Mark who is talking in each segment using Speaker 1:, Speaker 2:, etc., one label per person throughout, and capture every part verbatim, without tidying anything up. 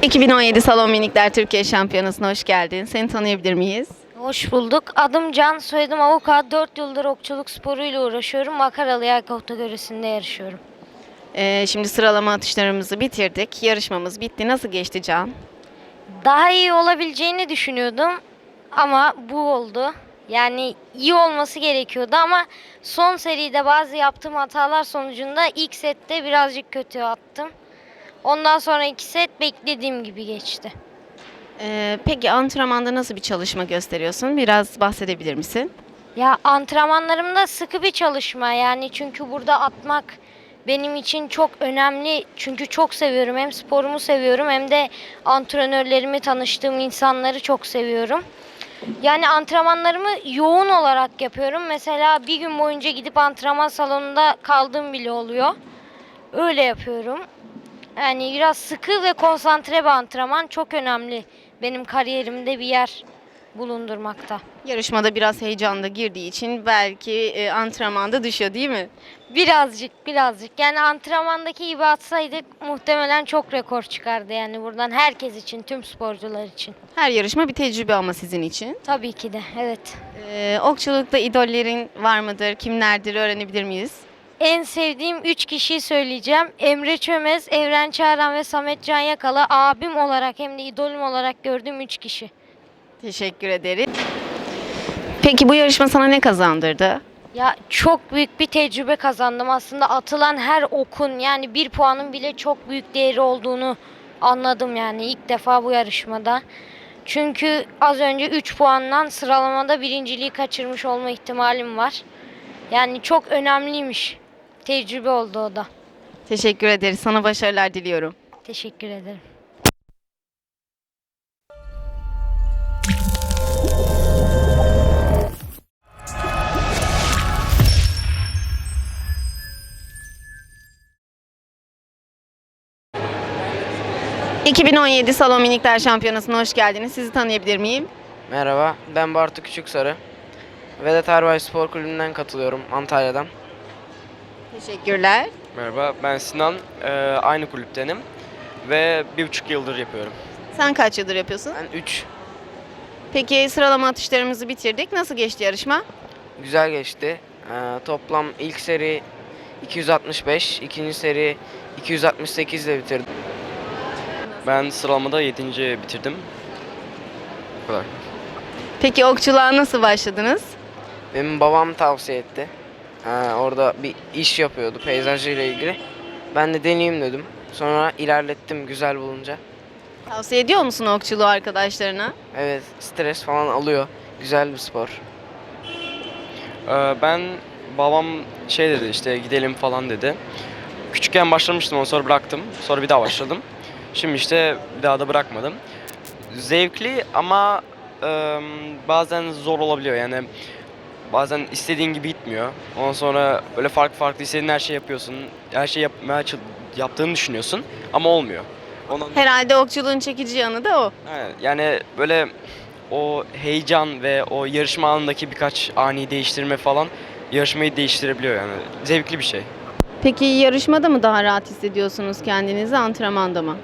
Speaker 1: iki bin on yedi Salon Minikler Türkiye Şampiyonası'na hoş geldin. Seni tanıyabilir miyiz?
Speaker 2: Hoş bulduk. Adım Can, soyadım Avukat. dört yıldır okçuluk sporuyla uğraşıyorum. Makaralı yay kategorisinde yarışıyorum.
Speaker 1: Ee, şimdi sıralama atışlarımızı bitirdik. Yarışmamız bitti. Nasıl geçti Can?
Speaker 2: Daha iyi olabileceğini düşünüyordum ama bu oldu. Yani iyi olması gerekiyordu ama son seride bazı yaptığım hatalar sonucunda ilk sette birazcık kötü attım. Ondan sonra iki set beklediğim gibi geçti.
Speaker 1: Ee, peki antrenmanda nasıl bir çalışma gösteriyorsun? Biraz bahsedebilir misin?
Speaker 2: Ya antrenmanlarımda sıkı bir çalışma yani çünkü burada atmak benim için çok önemli. Çünkü çok seviyorum. Hem sporumu seviyorum hem de antrenörlerimi, tanıştığım insanları çok seviyorum. Yani antrenmanlarımı yoğun olarak yapıyorum. Mesela bir gün boyunca gidip antrenman salonunda kaldığım bile oluyor. Öyle yapıyorum. Yani biraz sıkı ve konsantre bir antrenman çok önemli. Benim kariyerimde bir yer bulundurmakta.
Speaker 1: Yarışmada biraz heyecan da girdiği için belki e, antrenmanda düşüyor değil mi?
Speaker 2: Birazcık birazcık yani antrenmandaki gibi atsaydık muhtemelen çok rekor çıkardı yani buradan herkes için, tüm sporcular için.
Speaker 1: Her yarışma bir tecrübe ama sizin için.
Speaker 2: Tabii ki de, evet.
Speaker 1: Ee, okçulukta idollerin var mıdır? Kimlerdir öğrenebilir miyiz?
Speaker 2: En sevdiğim üç kişiyi söyleyeceğim. Emre Çömez, Evren Çağran ve Samet Can Yakala abim olarak hem de idolüm olarak gördüğüm üç kişi.
Speaker 1: Teşekkür ederim. Peki bu yarışma sana ne kazandırdı?
Speaker 2: Ya çok büyük bir tecrübe kazandım aslında. Atılan her okun yani bir puanın bile çok büyük değeri olduğunu anladım yani ilk defa bu yarışmada. Çünkü az önce üç puandan sıralamada birinciliği kaçırmış olma ihtimalim var. Yani çok önemliymiş. Tecrübe oldu o da.
Speaker 1: Teşekkür ederiz. Sana başarılar diliyorum.
Speaker 2: Teşekkür ederim.
Speaker 1: iki bin on yedi Salon Minikler Şampiyonası'na hoş geldiniz. Sizi tanıyabilir miyim?
Speaker 3: Merhaba, ben Bartu Küçüksarı. Vedat Erbay Spor Kulübü'nden katılıyorum, Antalya'dan.
Speaker 1: Teşekkürler.
Speaker 4: Merhaba, ben Sinan. Ee, aynı kulüptenim ve bir buçuk yıldır yapıyorum.
Speaker 1: Sen kaç yıldır yapıyorsun?
Speaker 3: Ben üç.
Speaker 1: Peki sıralama atışlarımızı bitirdik. Nasıl geçti yarışma?
Speaker 3: Güzel geçti. Ee, toplam ilk seri iki yüz altmış beş, ikinci seri iki yüz altmış sekiz ile bitirdim.
Speaker 4: Ben sıralamada yedinci bitirdim. Bu kadar.
Speaker 1: Peki okçuluğa nasıl başladınız?
Speaker 3: Benim babam tavsiye etti. Ee, orada bir iş yapıyordu peyzajıyla ilgili. Ben de deneyeyim dedim. Sonra ilerlettim güzel bulunca.
Speaker 1: Tavsiye ediyor musun okçuluğu arkadaşlarına?
Speaker 3: Evet, stres falan alıyor. Güzel bir spor.
Speaker 4: Ee, ben, babam şey dedi işte gidelim falan dedi. Küçükken başlamıştım, ondan sonra bıraktım. Sonra bir daha başladım. Şimdi işte bir daha da bırakmadım. Zevkli ama e, bazen zor olabiliyor yani. Bazen istediğin gibi gitmiyor. Ondan sonra böyle farklı farklı istediğin her şeyi yapıyorsun. Her şeyi yapmaya ç- yaptığını düşünüyorsun ama olmuyor. Ondan,
Speaker 1: Herhalde okçuluğun çekici yanı da o.
Speaker 4: Aynen. Yani böyle o heyecan ve o yarışma anındaki birkaç ani değiştirme falan yarışmayı değiştirebiliyor yani. Zevkli bir şey.
Speaker 1: Peki yarışmada mı daha rahat hissediyorsunuz kendinizi, antrenmanda mı?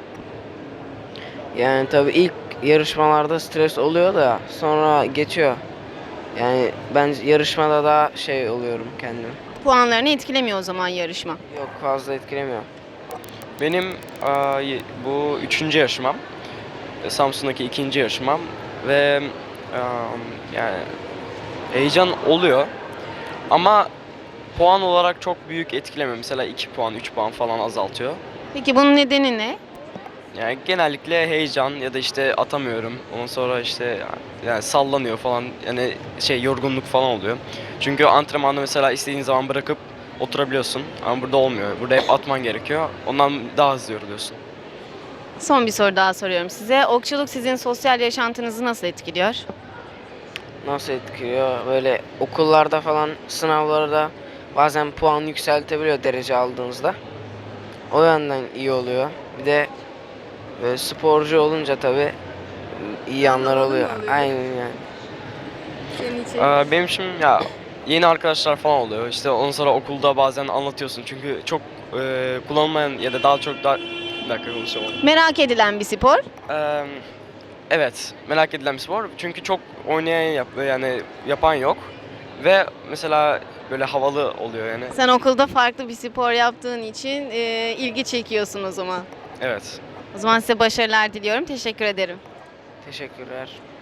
Speaker 3: Yani tabii ilk yarışmalarda stres oluyor da sonra geçiyor. Yani ben yarışmada daha şey oluyorum kendim.
Speaker 1: Puanlarını etkilemiyor o zaman yarışma.
Speaker 3: Yok, fazla etkilemiyor.
Speaker 4: Benim aa, y- bu üçüncü yarışmam. E, Samsun'daki ikinci yarışmam ve aa, yani heyecan oluyor ama puan olarak çok büyük etkilemiyor. Mesela iki puan, üç puan falan azaltıyor.
Speaker 1: Peki bunun nedeni ne?
Speaker 4: Yani genellikle heyecan ya da işte atamıyorum. Ondan sonra işte yani sallanıyor falan. Yani şey yorgunluk falan oluyor. Çünkü antrenmanda mesela istediğin zaman bırakıp oturabiliyorsun. Ama burada olmuyor. Burada hep atman gerekiyor. Ondan daha hızlı yoruluyorsun.
Speaker 1: Son bir soru daha soruyorum size. Okçuluk sizin sosyal yaşantınızı nasıl etkiliyor?
Speaker 3: Nasıl etkiliyor? Böyle okullarda falan sınavlarda bazen puan yükseltebiliyor derece aldığınızda. O yönden iyi oluyor. Bir de böyle sporcu olunca tabii iyi yanlar oluyor. Aynen yani.
Speaker 1: Senin için?
Speaker 4: Aa, benim için ya yeni arkadaşlar falan oluyor. İşte ondan sonra okulda bazen anlatıyorsun. Çünkü çok e, kullanılmayan ya da daha çok daha Bir dakika konuşamadım.
Speaker 1: Merak edilen bir spor.
Speaker 4: Ee, evet, merak edilen bir spor. Çünkü çok oynayan yap yani yapan yok. Ve mesela böyle havalı oluyor yani.
Speaker 1: Sen okulda farklı bir spor yaptığın için e, ilgi çekiyorsun o zaman.
Speaker 4: Evet.
Speaker 1: O zaman size başarılar diliyorum. Teşekkür ederim.
Speaker 3: Teşekkürler.